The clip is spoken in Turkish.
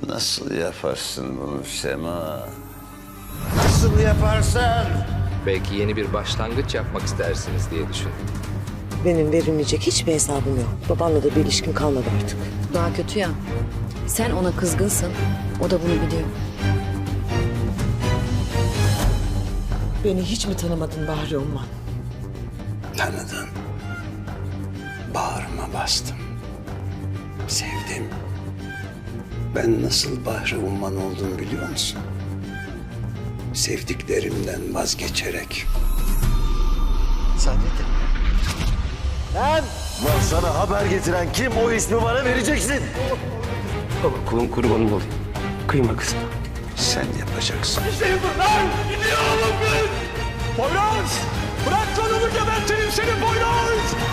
Nasıl yaparsın bunu Sema? Nasıl yaparsın? Belki yeni bir başlangıç yapmak istersiniz diye düşündüm. Benim verilmeyecek hiçbir hesabım yok. Babanla da bir ilişkim kalmadı artık. Daha kötü ya. Sen ona kızgınsın. O da bunu biliyor. Beni hiç mi tanımadın Bahri Umman? Tanıdın. Bağrıma bastım. Sevdim. Ben nasıl Bahri Umman oldum biliyor musun? Sevdiklerimden vazgeçerek. Lan sana haber getiren kim, o ismi bana vereceksin. Baba kulun kurbanın olayım. Kıyma kızım. Sen yapacaksın. Poyraz! Bırak kolumu geberteyim seni Poyraz!